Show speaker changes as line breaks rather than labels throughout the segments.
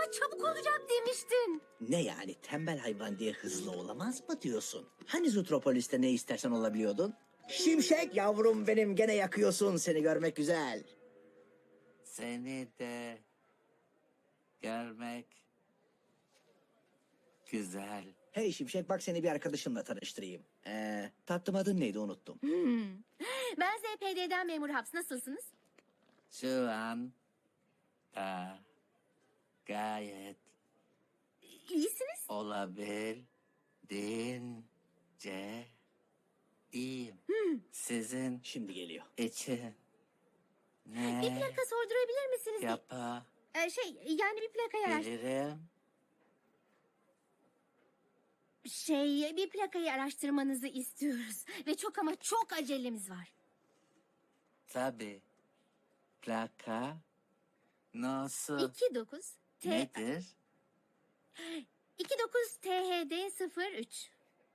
Ama çabuk olacak demiştin.
Ne yani, tembel hayvan diye hızlı olamaz mı diyorsun? Hani Zootropolis'te ne istersen olabiliyordun? Şimşek yavrum benim, gene yakıyorsun, seni görmek güzel.
Seni de görmek güzel.
Hey Şimşek, bak seni bir arkadaşımla tanıştırayım. Tatlım, adın neydi, unuttum.
Ben ZPD'den memur Haps. Nasılsınız?
Şu an da gayet
İyisiniz.
olabildiğince iyiyim. Sizin
Şimdi geliyor.
için
Bir
ne
plaka sordurabilir misiniz?
yapabilirim?
Yani bir plakayı bir plakayı araştırmanızı istiyoruz. Ve çok ama çok acelemiz var.
Tabii. Plaka nasıl
29
nedir?
29 THD 03.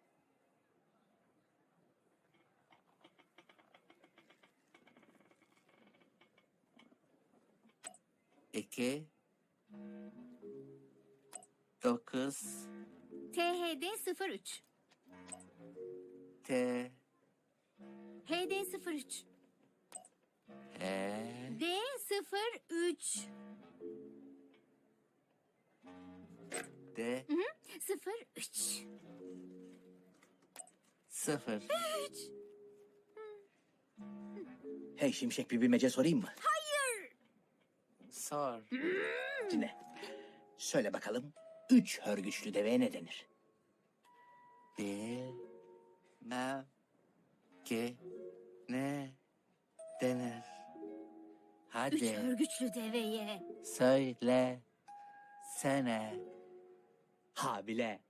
İki, dokuz,
THD 03.
T,
HD 03.
E,
D 03.
D,
03.
sıfır.
Hey Şimşek, bir bilmece sorayım mı?
Sor.
Dinle. Söyle bakalım, 3 hörgüçlü deveye ne denir?
Bilmem ki ne denir.
Üç
Hadi
örgüçlü deveye.
söylesene.
Habile.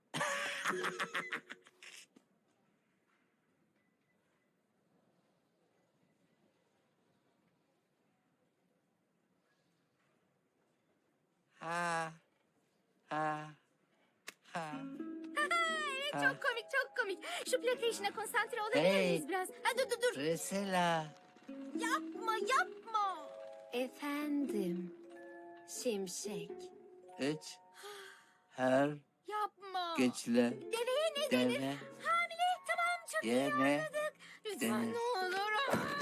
Ha, ha, ha.
Evet, çok komik, çok komik. Şu plaka işine konsantre olabilir
Hey.
miyiz biraz? Ha, dur.
Priscilla.
Yapma. Efendim, Şimşek.
3 her
Yapma.
güçlü
Deveye ne denir?
deve
Hamile, tamam, çok iyi
yene
anladık. Lütfen
denir.
ne olur.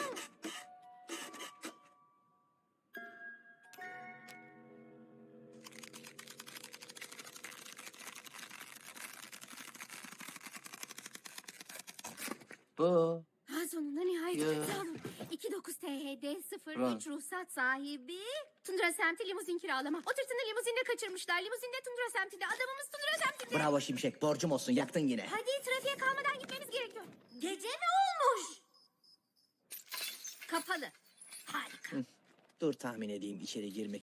Bu
Ha, sonunda nihayet.
Ya.
Sağ olun. 29 THD 03
Ron.
ruhsat sahibi. Tundra semti limuzin kiralama. O tırtını limuzinde kaçırmışlar. Limuzinde Tundra semtinde. Adamımız Tundra semtinde.
Bravo Şimşek, borcum olsun, yaktın yine.
Hadi trafiğe kalmadan gitmemiz gerekiyor. Gece mi olmuş? Kapalı. Harika.
Dur tahmin edeyim, içeri girmek